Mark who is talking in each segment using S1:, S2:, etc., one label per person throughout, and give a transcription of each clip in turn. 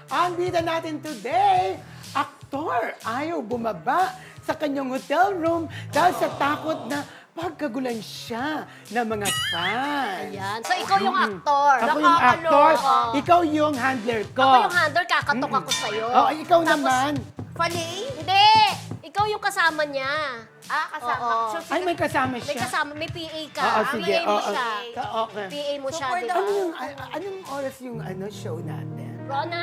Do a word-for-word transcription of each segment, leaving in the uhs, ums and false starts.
S1: Ang bida natin today, aktor ayaw bumaba sa kanyang hotel room dahil sa takot na pagkagulan siya ng mga fans.
S2: Ayan. So, ikaw yung aktor.
S1: Ako yung actor,
S2: Oo.
S1: ikaw yung handler ko.
S2: Ako yung handler, kakatok ako sa'yo.
S1: Oh, ikaw
S2: Tapos,
S1: naman.
S3: Fanny?
S2: Hindi! Ikaw yung kasama niya.
S3: Ah, kasama.
S2: Oo.
S3: So,
S1: Ay, may kasama
S2: May
S1: siya.
S2: kasama, may P A ka.
S1: Oo,
S2: Ang
S1: sige.
S2: P A mo
S1: Oo,
S2: siya.
S1: ka- okay.
S2: P A mo siya,
S3: for
S2: di
S3: the-
S2: ba?
S1: Ano yung, a- anong oras yung ano show natin?
S2: Rona,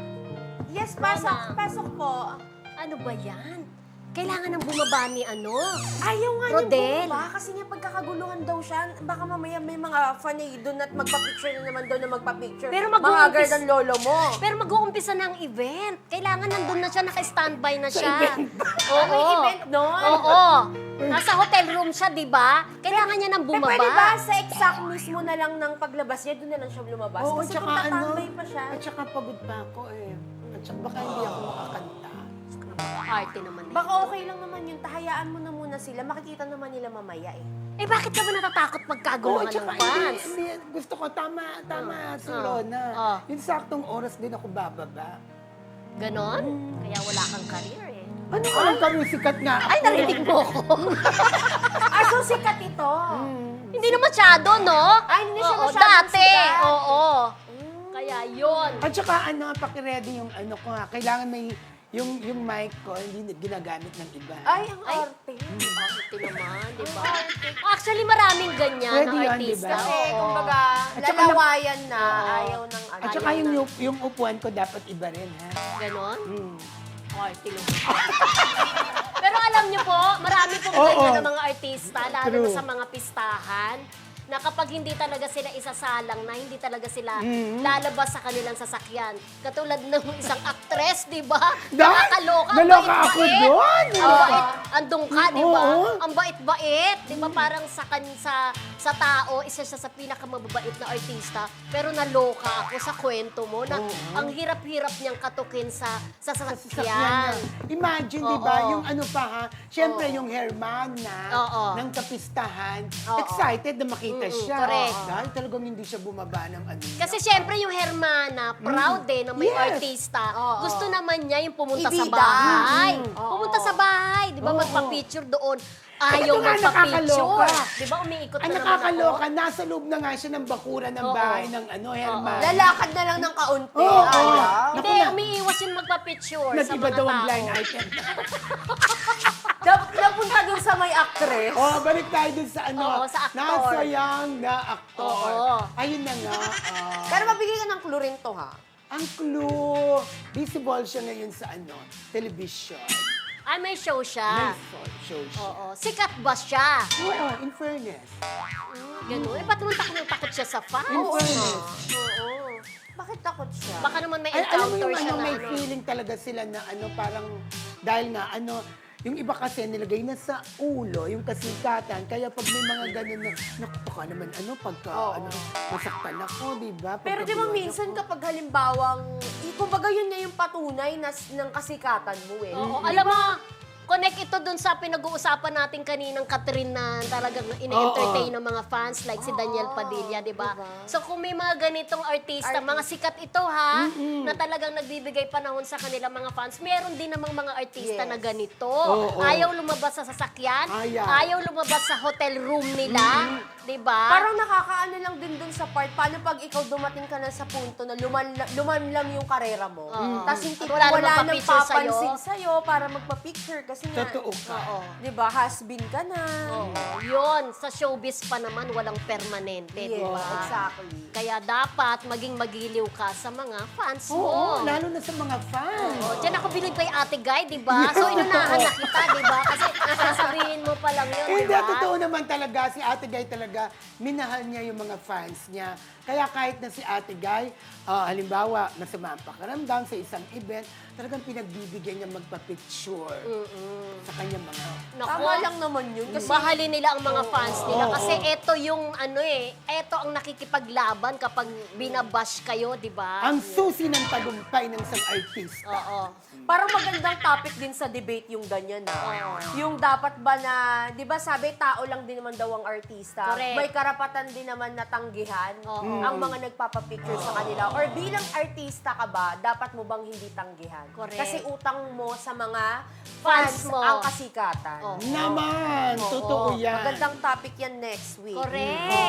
S3: Yes, pasok.
S2: Mama.
S3: Pasok po.
S2: ano ba yan? Kailangan ng bumaba ni ano?
S3: Ayaw nga
S2: Rodel.
S3: niyang bumaba kasi nga pagkakaguluhan daw siya. Baka mamaya may mga fanny doon at magpa-picture na naman doon na magpa-picture.
S2: Pero mag-uumpis-
S3: Mahagard ang lolo mo.
S2: Pero mag-uumpisa na ang event. Kailangan nandun na siya, naka-standby na siya. Oo.
S3: Ano yung event nun?
S2: Oo. Nasa hotel room siya, di ba? Kailangan niya nang
S3: Eh,
S2: bumaba.
S3: pwede ba sa exact mismo na lang ng paglabas niya, doon na lang siya lumabas?
S1: Oo,
S3: Kasi
S1: tsaka
S3: kung
S1: ano,
S3: tatambay pa siya.
S1: at saka pagod pa ako eh. At saka baka hindi ako makakanta.
S2: Arte naman eh.
S3: Baka okay lang naman yun. Tahayaan mo na muna sila. Makikita naman nila mamaya eh.
S2: Eh, bakit ka ba natatakot
S1: Oo,
S2: pagkaguluhan
S1: at
S2: ng
S1: saka
S2: fans?
S1: hindi, hindi, gusto ko tama, tama, si
S2: Oo.
S1: Rona.
S2: Oo.
S1: Yung saktong oras din ako bababa.
S2: Ganon? Kaya wala kang career eh.
S1: Ano ka lang kami sikat nga ako?
S2: Ay, narinig mo ko.
S3: Ah, so sikat ito.
S2: Hindi na masyado, no?
S3: Ay, hindi siya
S2: Oo,
S3: masyadong
S2: dati.
S3: sikat.
S2: Oo. Kaya yun.
S1: At saka ano, pakiready yung ano ko ha. Kailangan may, yung, yung mic ko, hindi ginagamit ng iba.
S3: Ay, ang
S2: Ay.
S3: arte.
S2: Arte naman, di ba? Actually, maraming ganyan
S1: Pwede
S2: na
S1: yun,
S2: artista.
S1: di ba?
S3: Kasi,
S2: Oo.
S3: kumbaga,
S1: At saka
S3: lalawayan na.
S2: Oo.
S3: Ayaw ng ano.
S1: At saka
S2: ayaw
S1: yung,
S2: na.
S1: yung, yung upuan ko dapat iba rin ha.
S2: Ganon?
S1: Hmm.
S2: Arte naman. Pero alam niyo po, marami pong
S1: Oo.
S2: ganyan ng mga artista, lalo na
S1: True.
S2: sa mga pistahan, na kapag hindi talaga sila isasalang na, hindi talaga sila
S1: Mhm.
S2: lalabas sa kanilang sasakyan. Katulad ng isang actress, di ba?
S1: Dahil-
S2: Nakakaloka. ang
S1: naloka
S2: bait-bait.
S1: ako doon.
S2: Ang bait, andong ka, di ba?
S1: Oo.
S2: Ang bait-bait, di ba? Parang sa, kan, sa, sa tao, isa siya sa pinakamababait na artista. Pero naloka ako sa kwento mo na ang hirap-hirap niyang katukin sa, sa
S1: Sa sasakyan
S2: sasakyan.
S1: niya. Imagine, di ba,
S2: Oo.
S1: yung ano pa ha, syempre
S2: Oo.
S1: yung hermana
S2: Oo.
S1: ng kapistahan,
S2: Oo.
S1: excited na makita
S2: Mm-mm,
S1: siya.
S2: correct.
S1: Dahil talagang hindi siya bumaba ng ano. niya.
S2: Kasi syempre yung Hermana, proud eh na may
S1: Yes.
S2: artista.
S3: Oo.
S2: Gusto naman niya yung pumunta sa
S3: Ibida.
S2: bahay.
S3: Mm.
S2: Pumunta
S3: Oo.
S2: sa bahay, di ba?
S1: Oo.
S2: Magpa-picture doon.
S1: Ay,
S2: Ayaw
S1: ito nga,
S2: magpa-picture.
S1: nakakaloka.
S2: Di ba? Umiikot
S1: Ang
S2: na naman ako.
S1: nakakaloka, nasa loob na nga siya ng bakura ng
S2: Oo.
S1: bahay ng ano, hermana.
S3: Lalakad na lang ng kaunti.
S1: Oo.
S3: Ayaw.
S1: Naku
S2: Hindi,
S1: na.
S2: umiiwas yung magpa-picture sa
S1: Nag-iba
S2: mga
S1: daw ang
S2: tao.
S1: blind item.
S3: Nap- Napunta dun sa may actress.
S1: Oh, balik tayo dun sa ano.
S2: Oo, sa aktor.
S1: Nasayang na aktor.
S2: Oo.
S1: Ayun na nga. ah.
S3: Pero mabigay ka ng clue rin to, ha?
S1: Ang clue, visible siya ngayon sa ano, television.
S2: Ay, may show
S1: May
S2: siya.
S1: so- show siya.
S2: Oo. Sikat ba siya?
S1: Oo, in fairness.
S2: Ganun. Eh, ba't naman takot takot siya sa fans?
S1: In fairness.
S2: Oo.
S3: Bakit takot siya?
S2: Baka naman may
S1: Ay, alam mo
S2: encounter
S1: yung
S2: siya
S1: ano,
S2: na
S1: may
S2: ano.
S1: feeling talaga sila na ano, parang, dahil nga ano, yung iba kasi nilagay na sa ulo, yung kasikatan. Kaya pag may mga ganun na, naku, baka naman ano, pagka,
S3: Oo.
S1: ano, masaktan ako, di ba?
S3: Pero di ba
S1: Pagka-
S3: minsan kapag halimbawang, eh, kumbaga yun nga yung patunay na, ng kasikatan mo eh.
S2: Oo, alam mo, connect ito dun sa pinag-uusapan natin kaninang Catherine na talagang ine-entertain ng mga fans like si Daniel Padilla, di ba?
S3: diba?
S2: So kung may mga ganitong artista, mga sikat ito ha, na talagang nagbibigay panahon sa kanilang mga fans, meron din namang mga artista
S3: Yes.
S2: na ganito.
S1: Oo.
S2: Ayaw lumabas sa sasakyan,
S1: Ayaw.
S2: ayaw lumabas sa hotel room nila, di ba?
S3: Parang nakakaano lang din dun sa part, paano pag ikaw dumating ka na sa punto na lumanla- lumanlam yung karera mo,
S2: Oo.
S3: tapos hindi
S2: At
S3: wala,
S2: wala
S3: wala
S2: namang
S3: nang
S2: papicture sa'yo.
S3: papansin sa'yo para magpa-picture kasi nga,
S1: Totoo ka.
S2: Oo.
S3: di ba, has-been ka na.
S2: Oo. Yun, sa showbiz pa naman walang permanente, di
S3: Yes,
S2: ba?
S3: exactly.
S2: Kaya dapat maging magiliw ka sa mga fans mo.
S1: Oo, lalo na sa mga fans.
S2: Oh, diyan ako bilib kay Ate Guy, di ba? So, inunahan na kita, di ba? Kasi sasabihin mo pa lang yun,
S1: Eh,
S2: di
S1: Hindi,
S2: ba?
S1: totoo naman talaga. Si Ate Guy talaga, minahal niya yung mga fans niya. Kaya kahit na si Ate Guy, ah, halimbawa, masama ang pakiramdam sa isang event, talagang pinagbibigyan niya magpa-picture sa kanyang mga...
S2: Naku,
S3: Tama lang naman yun. Kasi
S2: mahalin nila ang mga fans nila.
S1: oo.
S2: Kasi eto yung ano eh, eto ang nakikipaglaban kapag binabash kayo, di ba?
S1: Ang susi ng tagumpay ng isang artista.
S2: Oo.
S3: parang magandang topic din sa debate yung ganyan na. Yung dapat ba na, di ba sabi, tao lang din naman daw ang artista.
S2: Correct. Correct.
S3: may karapatan din naman natanggihan
S2: Oo.
S3: ang mga nagpapapicture sa kanila. Or bilang artista ka ba, dapat mo bang hindi tanggihan?
S2: Correct.
S3: Kasi utang mo sa mga
S2: Fans
S3: fans
S2: mo.
S3: ang kasikatan.
S2: Oo.
S1: Naman,
S3: Oo.
S1: totoo yan.
S3: Magandang topic yan next week.
S2: Correct.